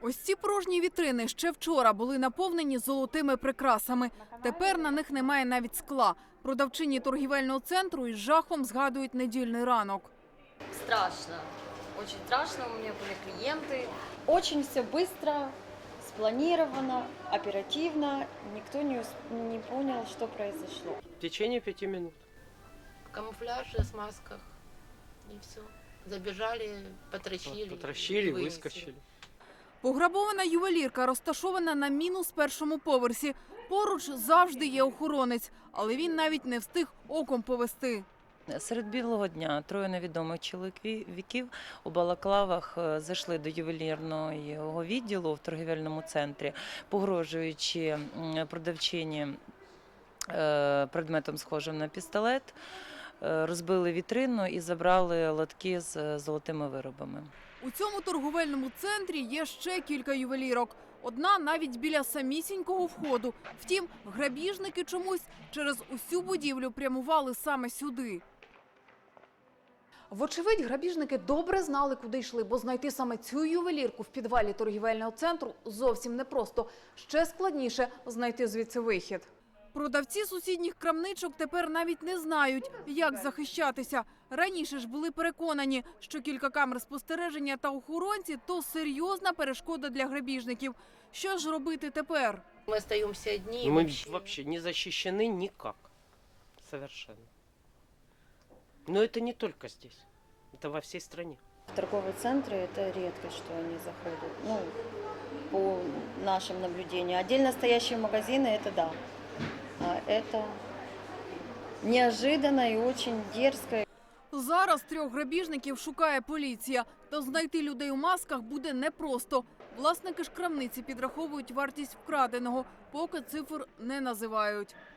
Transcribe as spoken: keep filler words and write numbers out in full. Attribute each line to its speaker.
Speaker 1: Ось ці порожні вітрини ще вчора були наповнені золотими прикрасами. Тепер на них немає навіть скла. Продавчині торгівельного центру із жахом згадують недільний ранок.
Speaker 2: Страшно. Очень страшно. У меня были клиенты.
Speaker 3: Очень все быстро, спланировано, оперативно. Никто не, усп- не понял, что произошло.
Speaker 4: В течение пяти минут.
Speaker 5: В камуфляже, с масках. И все. Забежали, потращили.
Speaker 4: Вот, потращили,
Speaker 5: и вынесли.
Speaker 4: выскочили.
Speaker 1: Пограбована ювелірка розташована на мінус першому поверсі. Поруч завжди є охоронець, але він навіть не встиг оком повести.
Speaker 6: Серед білого дня троє невідомих чоловіків у балаклавах зайшли до ювелірного відділу в торгівельному центрі, погрожуючи продавчині предметом схожим на пістолет, розбили вітрину і забрали лотки з золотими виробами.
Speaker 1: У цьому торговельному центрі є ще кілька ювелірок. Одна навіть біля самісінького входу. Втім, грабіжники чомусь через усю будівлю прямували саме сюди. Вочевидь, грабіжники добре знали, куди йшли, бо знайти саме цю ювелірку в підвалі торгівельного центру зовсім непросто. Ще складніше знайти звідси вихід. Продавці сусідніх крамничок тепер навіть не знають, як захищатися. Раніше ж були переконані, що кілька камер спостереження та охоронці – то серйозна перешкода для грабіжників. Що ж робити тепер?
Speaker 5: Мы остаемся одни. и
Speaker 4: Мы
Speaker 5: вообще-
Speaker 4: вообще не защищены никак. Совершенно. Но это не только здесь. Это во всей стране.
Speaker 3: В торговые центры это редкость, что они заходят. Ну, по нашим наблюдениям. Отдельно стоящие магазины это да. А это неожиданно и очень дерзко.
Speaker 1: Зараз трьох грабіжників шукає поліція. Та знайти людей у масках буде непросто. Власники ж крамниці підраховують вартість вкраденого, поки цифр не називають.